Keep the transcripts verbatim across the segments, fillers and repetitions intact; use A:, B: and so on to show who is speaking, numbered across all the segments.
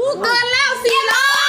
A: เกินแล้วสี่ร้อย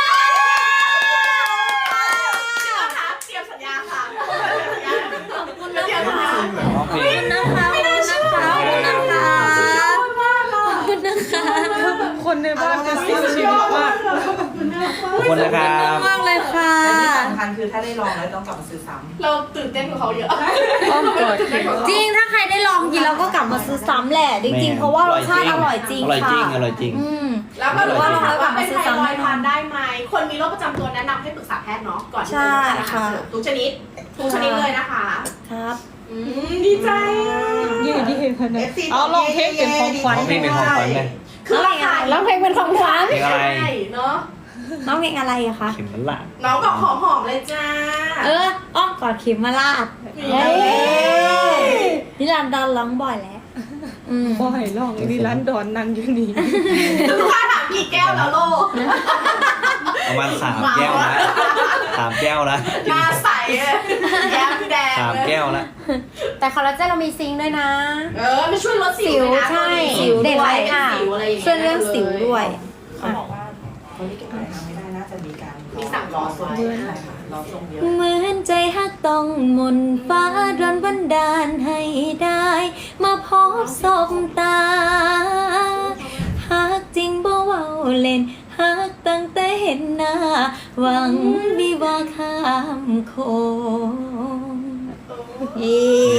B: เตรียมสัญญาค่ะขอบคุณ
A: นะ
B: นะคะ
A: คะ
C: ร้องเพลง
A: นะคะขอบคุณนะคะขอบคุณนะคะขอบคุณนะคะคนในบ้านจะเสียชีวิตมาก
C: ขอบคุณนะครับ
A: มากเลยค่ะ
D: แต่ที่สำคัญคือถ้าได้ลองแล้วต้องกลับมาซื้อซ้ำ
B: เราตื่นเต้นกับเขาเยอะ
A: อ้อมกอดจริงถ้าใครได้ลองกินแล้วก็กลับมาซื้อซ้ำแหละจริงๆเพราะว่ารสชาติอร่อยจริง
C: อร่อย
A: ค่ะ
C: จริงอร่อยจริง
A: อืม
B: แล้วก็รู้ว่าเราแบบเป็นไทรอยด์
A: ใช่
B: ทานได้ไหมคนมีโรคประจำตัวแนะนำให้ปรึกษาแพทย์เนาะก่อนที่
A: ใช่
B: จะทานอาหาร
A: ค่ะ
B: เสริมทุกชนิดทุกชนิดเลยนะคะ
A: ครับ
B: อืมดีใจอ่ะ
A: ยืดยืดพนันเอาลองเพลงเป็นของขวัญ
C: ร้องเพลงเป็นของขวัญเลย
B: คือราคา
A: ร้องเพลงเป็นของขวัญ
C: เพลงอะไร
B: ใช่เนาะ
A: น้องเพลงอะไรอะคะ
C: เข็มมันละ
B: น้องบอกหอมๆเลยจ้า
A: เอออ้อมกอดเข็มมาลาด
B: เฮ้ย
A: นิรันดรร้องบ่อยแล้วอืม
E: บ่อยลองนี่ร้านดอนนั่งอยู่นี่
B: ลูกค้าถามกี่แก้วแล้วโลก
C: ประมาณสามแก้วละสามแก้วละ
B: หน้าใสเลยแย้มแดง
C: สาม
B: เลย
C: แก้วละ
A: แต่คอลลาเจนเรามีซิงค์ด้วยนะ
B: เออมันช่วยลดสิวด้วยนะ
A: ใช่
B: สิว
A: เด่น
B: ด้ว
A: เลย ย
B: เป็น
A: ค่ะ
B: สิวอะไรอย่างเงี้ย
A: ช่วยเรื่องสิวด้วย
D: เขาบอกว่าคนที่เก็บปลายทางไม่ได้น่าจะมีการ
B: มีสั่งรอไว้
D: ใช่ค่ะรอทรงเยอะ
A: เหมือนใจฮักต้องมนต์ฟ้าดลบันดาลให้ได้ มาพบศพตาฮักจริงบ่เว้าเล่นฮักตั้งแต่เห็นหน้า หวังวิวาข้ามโคงเย้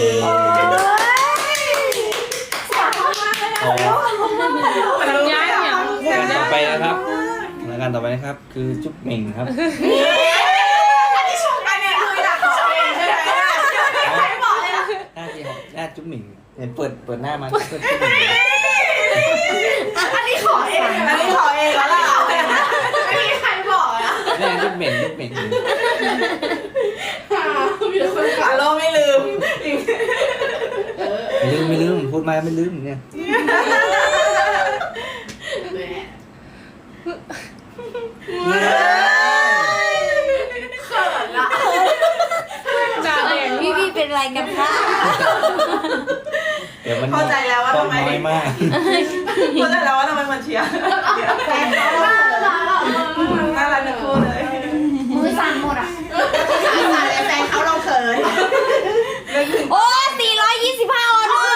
C: อ๋อ
E: ย้ายเนี่ย
C: ต่อไปนะครับรายการต่อไปนะครับ คือจุ๊บเหม่งครับ
B: อันนี้ชมกันเนี่ยคืออยากขอเองใช่ไหมใครบอกเลยนะ
C: หน้าที่ของหน้าจุ๊บเหม่งเห็นเปิดเปิดหน้ามาเปิดจุ๊บเหม่ง
B: อันนี้ขอเองอันนี้ขอเองแล้วล่ะไม่มีใครบอกนะ
C: นี่จุ๊บเหม่งจุ๊บเหม่ง
B: มีแต่คนขาโลไม่ลืม
C: ไม่ลืมไม่ลืมพูดมาไม่ลืมเนี่ย
B: แหมเขินละ
E: ดาแดง
A: พี่พี่เป็นไรกันคะ
C: เดี๋ยวมัน
D: เข้าใจแล้วว่า
C: ต้อง
D: ทำไม
C: น้อยมาก
D: เข้าใจแล้วว่าทำไมมันเชียร์
B: แฟนเขาน่ารักอ่ะ
D: น่ารักทั้งคู่เลย
A: มือสั่นหมดอ่ะ
B: แฟนเขาเราเขิน
A: โอ้สี่ร้อยยี่สิบห้าออเดอร์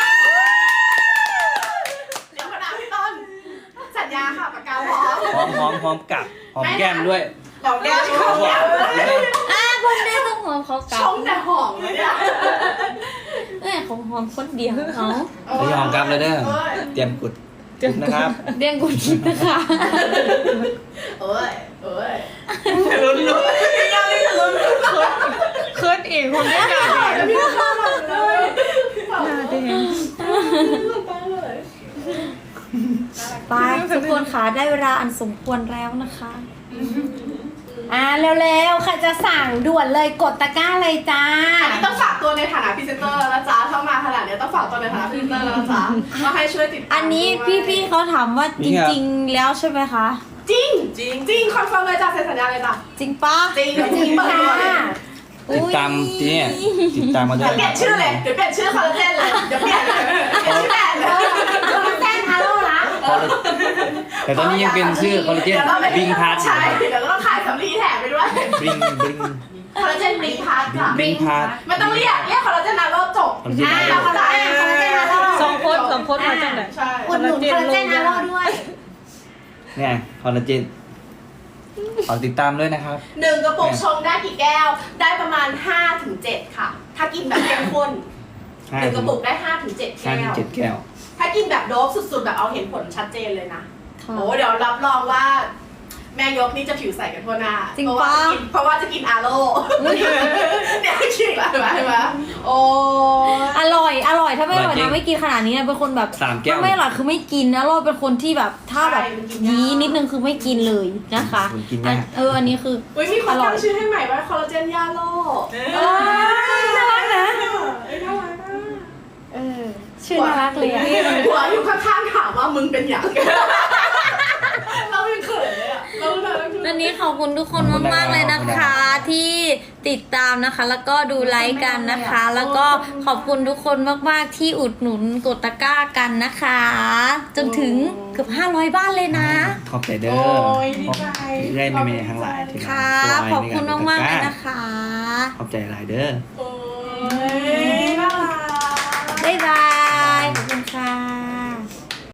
B: เดี๋ยวขนาดพี่ต้นสัญญาค่ะปากกาพร้อม
C: หอมหอมหอมกัดหอมแก้มด้วย
D: ของแก้ว
C: เขาบอก
A: อ่ะคนเดียวต้องหอมเขากลั
B: ช
A: บ
B: มแต่หอมเลยเนี่ย
A: เอ้ยของหอมคนเดียวเขา
C: ไม่หอมกลับเลยเด้อเตรียมกุดกุดนะครับ
A: เรียงกุชินะคะ
B: เอ้ยเอ้ย
D: ลุ้นลุ้นยังไม่ลุ้น
E: เคิร์ดเองคนไม่ดาแดง
B: พี่ต้นเลย
E: ดาแดง
A: ไปทุกคนค่ะได้เวลาอันสมควรแล้วนะคะอ่าเร็วๆใครจะสั่งด่วนเลยกดตะกร้าเลยจ้า
B: อันนี้ต้องฝากตัวในฐานะพรีเซนเตอร์แล้วนะจ๊ะเข้ามาขนาดนี้ต้องฝากตัวในฐานะพรีเซนเตอร์แล้วนะจ๊ะก็ให้ช่วยติดตาม
A: อันนี้พี่ๆเขาถามว่าจริงๆแล้วใช่ไหมคะ
B: จริงจริงจริงคอนเฟิร์มเลยจ้ะเซ็นสัญญาเลยจ้ะ
A: จริงปะ
B: จริงจริงเปิดตัวเลย
C: ติดตามเนี่ยติดตามมาด้
B: เดี๋
C: วย
B: ยวเปลี่ยนชื่อเลยเดี๋ยวเปลี่ยนชื่อคอลลาเจนเลยเดี๋ยวเปลี่ยนเลยเปลี่ยนชื่อแบรนด์เลย
A: คอลลาเจนฮาโลนะ
C: คอลลาแต่ตอนนี้ยังเป็นชื่อคอลลาเจน
B: ดี๋ยวราไป
C: บิงพาร์ท
B: ใช่เดี๋ยวก็ต้องขายสำลีแถมไปด้วย
C: บิงบิง
B: คอลลาเจนบิงพาร์ทจ้ะ
C: บิงพาร์ท
B: ไม่ต้องเรียกเรียกคอลลาเจนนาโรจบ
C: คอลลาเจน
A: อ่า
C: นาโร
A: คอลลาเจนคอลลาเจนฮาโล
E: สองคนสองคนมาจากไหน
B: ใช่
A: อุดหนุนคอลลาเจนฮาโลด้วย
C: เนี่ยคอลลาเจนขอติดตามด้วยนะครับ
B: หนึ่งกระปุกชงได้กี่แก้ว ได้ประมาณห้าถึงเจ็ดค่ะ ถ้ากินแบบเข้มข้นหนึ่งกระปุกได้ห้าถึงเจ็ด
C: ห้า
B: แก้
C: ถึง
B: ว
C: เจ็ดแก้ว
B: ถ้ากินแบบโดบสุดๆแบบเอาเห็นผลชัดเจนเลยนะ
A: ค่ะ
B: โอ้เดี๋ยวรับรองว่า แม่ยกนี่จะผิวใสกันทั่วหน้า
A: จริง
B: เพราะว่า
A: ปะ
B: จะกินเพราะว่าจะกินอาโร่เนี่ยคิดแล้วเห็นไหมเห็นไหมโอ้
A: อร่อย อร่อย ถ้าไม่อร่อย
C: อร่อยจริ
A: นะ
C: ง
A: ไม่กินขนาดนี้นะเป็นคนแบบ
C: สามแก้ว
A: ถ้าไม่อร่อยคือไม่กินนะเราเป็นคนที่แบบถ้าแบบยีนิดนึงคือไม่กินเลยนะคะ
C: ผมกิน
A: อั
C: ยาน ก
A: เอออันนี้คือ
B: อุ้ยมีคนตั้งชื่อให้ใหม่ว่าคอลลาเจนยาโร่
A: เออน่ารักนะ
B: เอ้ยน่ารักนะ
A: เออชื่อน่ารักเลยอะ
B: หัวอยู่ข้างๆถามว่ามึงเป็นอย่างเราเป็นเขินเลยอะเราเรา
A: นั่นนี้ขอบคุณทุกคนมากๆเลยนะคะ ที่ติดตามนะคะ แล้วก็ดูไลฟ์กันนะคะ แล้วก็ขอบคุณทุกคนมากๆที่อุดหนุนกดตะกร้ากันนะคะ จนถึงเกือบห้าร้อยบ้านเลยนะ
C: ขอบใจเด้อ
D: โอ้ยดีใจ
C: ได้เมย์ทั้งหลายที่มา
A: ค่ะ
C: ช่วย
A: ขอบคุณ
C: ในร
A: มากๆเลย
C: กดตะร้
A: นะคะ
C: ขอบใจหลายเด้อ
D: โอ้ยน่ารัก
A: บ๊ายบาย